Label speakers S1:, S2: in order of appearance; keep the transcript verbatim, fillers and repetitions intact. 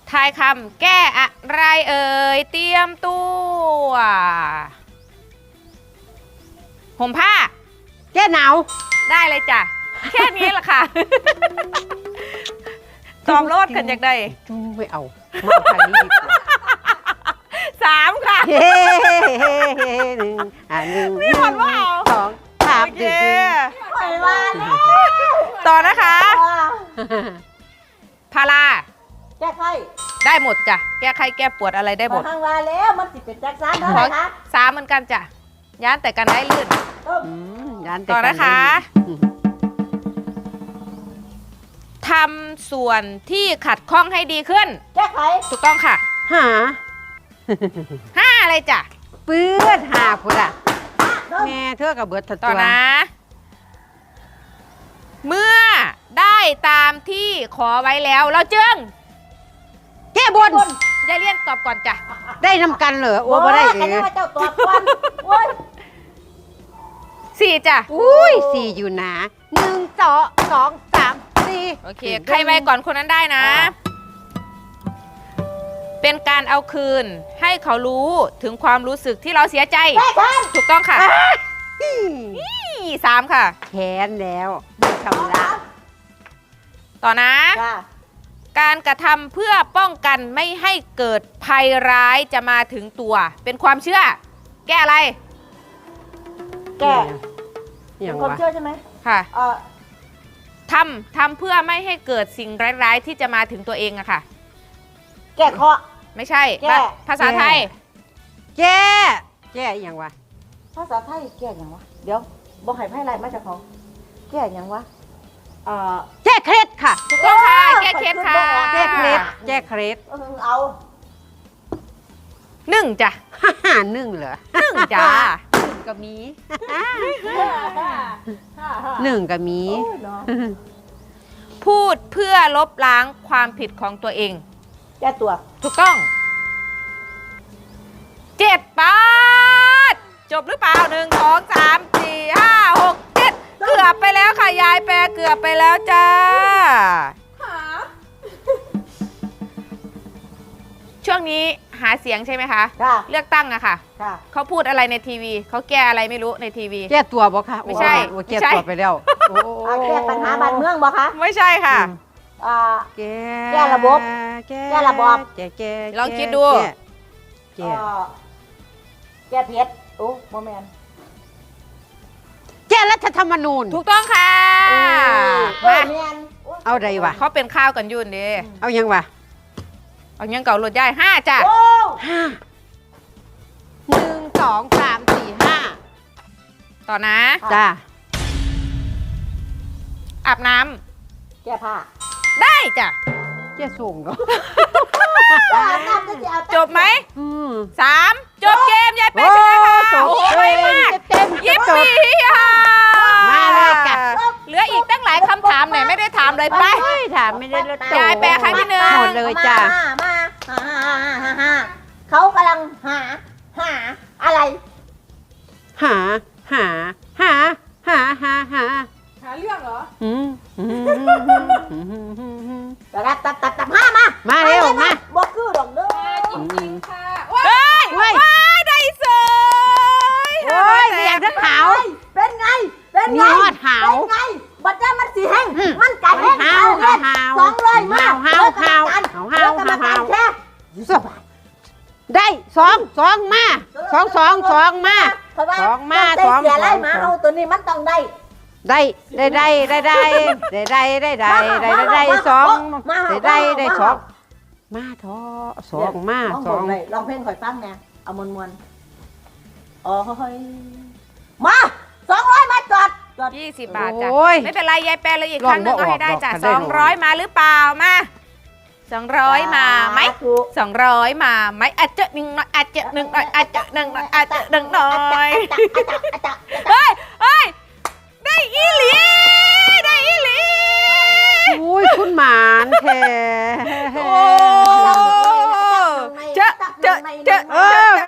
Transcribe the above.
S1: ทายคำแก้อะไรเอ่ยเตรียมตัวห่มผ้า
S2: แก้หนาว
S1: ได้เลยจ้ะแค่นี้แหละค่ะตอบโลดกันจากใด
S2: จูไม่เอามาทางนี้ดีกว่า
S1: สามค่ะ
S2: เฮ้เฮ้เฮ้หนึ่งอ่าหนึ่ง
S1: มีคนว่าเอา
S2: สองสาม
S1: โอเค
S3: ไปว่าแล้ว
S1: ต่อนะคะพารา
S3: แก้ไข
S1: ได้หมดจ้ะแก้ไขแก้ปวดอะไรได้หมด
S3: ทางว่าแล้วมันสิเป็นจักรสานเท่าไหร่คะ
S1: สามเหมือนกันจ้ะย้านแต่กันได้ลื่นต่อนะคะทำส่วนที่ขัดข้องให้ดีขึ้น
S3: แก้ไข
S1: ถูกต้องค่ะ
S2: หา
S1: ห้าอะไรจ้ะ
S2: เปื้อนหาพุดอะแม่เธอกับเบิร์ด
S1: ต่อนะเมื่อได้ตามที่ขอไว้แล้วเราจึง
S2: แก้บน
S1: ยายเลี่ยนตอบก่อนจ้ะ
S2: ได้นำกันเหรอโอ้บ่ได้เออ
S3: เจ้าตอบก่อนโอ้ย
S1: สี่จ้ะ
S2: อุ้ยสี่อยู่นะหนึ่งสองสองสามสี่
S1: โอเคใครไวก่อนคนนั้นได้นะเป็นการเอาคืนให้เขารู้ถึงความรู้สึกที่เราเสียใจถูกต้องค่ะสามค่ะ
S2: แค้นแล้วชำระ
S1: ต่อนะการกระทำเพื่อป้องกันไม่ให้เกิดภัยร้ายจะมาถึงตัวเป็นความเชื่อแก้อะไร
S3: แก้เป็นความเชื่อใช่ไหม
S1: ค่ะทำทำเพื่อไม่ให้เกิดสิ่งร้ายๆที่จะมาถึงตัวเองอะค่ะ
S3: แก้เคาะ
S1: ไม่ใช่ภาษาไทย
S2: แก้แก้อย่างวะ
S3: ภาษาไทยแก้อย่างวะเดี๋ยวบอกให้ไพ่ไรมาจากของแก้อย่างวะ
S2: แก้เคล็ดค่ะ
S1: ถูกต้องค่ะแก้เคล็ดค่ะ
S2: แก้เคล็ดแก้เคล็ด
S3: เอา
S1: หนึ่งจ้ะ
S2: ห้าหนึ่งเหรอ
S1: หนึ่งจ้ะ
S2: หนึ่งก็มีหนึ่งก็มี
S1: พูดเพื่อลบล้างความผิดของตัวเอง
S3: แก้ตัว
S1: ถูกต้องเจ็ดปาดจบหรือเปล่าหนึ่งสองสามสี่ห้าหกเจ็ดเกือบไปแล้วค่ะยายแปรเกือบไปแล้วจ้าช่วงนี้หาเสียงใช่ไหมคะเลือกตั้งอะค่ะเขาพูดอะไรในทีวีเขาแก้อะไรไม่รู้ในทีวี
S2: แก้ตัวบอกค่ะ
S1: ไม่ใช่
S2: แก้ตัวไปแล้ว
S3: แก้ปัญหาบ้านเมืองบอกคะ
S1: ไม่ใช่ค่ะ
S3: แก้ระบบแก้ระบบ
S2: แก้แก้
S1: ลองคิดดู
S3: แก้แก้เพชรโอ้โมเมนต์
S2: แก้รัฐธรรมนูญ
S1: ถูกต้องค่ะ
S3: มา
S2: เอาใดวะ
S1: เขาเป็นข้าวกันยุ่นดิ
S2: เอายังวะ
S1: เอายังเก่าหลุดได้ห้าจ้ะ
S2: ห้าหนึ่งสองสามสี่ห้า
S1: ต่อนะ
S2: จ้า
S1: อาบน้
S3: ำแก้ผ้า
S1: ได้จ้ะ
S2: แก้ส่งก็
S1: จบไหมสามจบเกมยายเป๊ะชนะค่ะโอ้ยมากยิบสี่ค่ะ
S2: มาเลยจ้ะ
S1: เหลืออีกตั้งหลายคำถามไหนไม่ได้ถามเลยไป
S2: ถามไม่ได้เลย
S1: ยายแปะครั้งที่หนึ่ง
S2: หมดเลยจ้ะ
S3: มาเขากำลังหาหาอะไร
S2: หาหาหาหาหาหา
S1: หาเรื่องเหรอ
S2: อืม
S3: ตัดตัดตัดตัดห้ามา
S2: มาเร็วมา
S3: บอกคือดอกเด้อ
S1: จริงๆค่ะว้ายว้ายได้เสย
S2: โอ้ยเสียงจะขาว
S3: เป็นไงเป็นไง
S2: ยอดขาว
S3: เป็นไงบัดเจ้ามันสีแห้งมันไก่แห้ง
S2: ขาวขาว
S3: สองเลยมา
S2: ขาวขาวขาวขาวขาวได้สองสองมาสองสองสองมาสองมาสอง
S3: เสียไรมาเอาตัวนี้มันต้องได้
S2: ได้ได้ได้ได้ได้ได้ได้ได้ได้ได้ได้สองได้ได้ได้สองมาท้อสองมาสอง
S3: ลองเพลงข่อยฟังแน่เอามวนมวนอ๋อมาสองร้อยมาจอด
S1: ยี่สิบบาทจ้ะไม่เป็นไรยายแปลเลยอีกครั้งหนึ่งก็ให้ได้จ้ะสองร้อยมาหรือเปล่ามาสองร้อยมาไหมสองร้อยมาไหมอาจจะหนึ่งหน่อยอาจจะหนึ่งหน่อยอาจจะหนึ่งหน่อยอาจจะหนึ่งหน่อยเฮ้ยเฮ้ยได้อีหลีได้อีหลี
S2: อุ้ยคุณหมานแท้
S1: โอ้เจอเจอเจอ